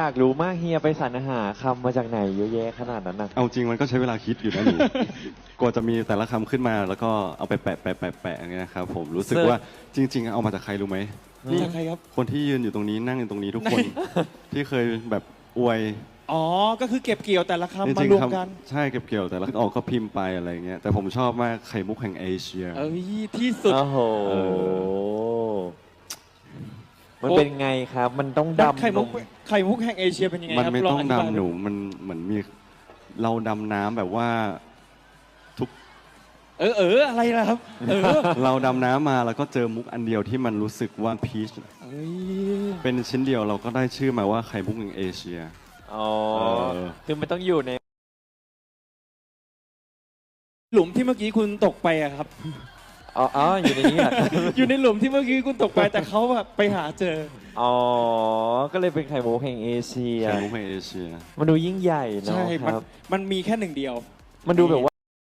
ากรู้มากเฮียไปสรรหาคำมาจากไหนเยอะแยะขนาดนั้นนะเอาจริงมันก็ใช้เวลาคิดอยู่นะหนู กว่าจะมีแต่ละคำขึ้นมาแล้วก็เอาไปแปะอย่างเงี้ยนะครับผมรู้สึกว่าจริง ๆ เอามาจากใครรู้ไหมนี่ใครครับคนที่ยืนอยู่ตรงนี้นั่งอยู่ตรงนี้ทุกคน ที่เคยแบบอวยอ๋อ ก็คือเก็บเกี่ยวแต่ละคำจมาริงรวๆมคกันำใช่เก็บเกี่ยวแต่ละออกก็พิมพ์ไปอะไรเงี้ยแต่ผมชอบมากไข่มุกแห่งเอเชียเอ้ยที่สุดโอ้โหเอมันเป็นไงครับ มันต้องดักดำไข่มุกลงไข่มุกแห่งเอเชียเป็นยังไงมันครับไม่ลต้องธิบายดำหนูมันเหมือนมีเราดำน้ำแบบว่าทุกอะไรล่ะครับเราดำน้ำมาแล้วก็เจอมุกอันเดียวที่มันรู้สึกว่าพีชเอ้ยเป็นชิ้นเดียวเราก็ได้ชื่อมาว่าไข่มุกแห่งเอเชียอ๋อเออคือมันต้องอยู่ในหลุมที่เมื่อกี้คุณตกไปอะครับอ๋อ อยู่ในนี้เหรอครับอยู่ในหลุมที่เมื่อกี้คุณตกไปแต่เขาแบบไปหาเจออ๋อ ก็เลยเป็นไข่มุกแห่งเอเชียไข่มุกแห่งเอเชียมันดูยิ่งใหญ่เนาะใช่ครับมันมีแค่หนึ่งเดียวมันดูแบบว่า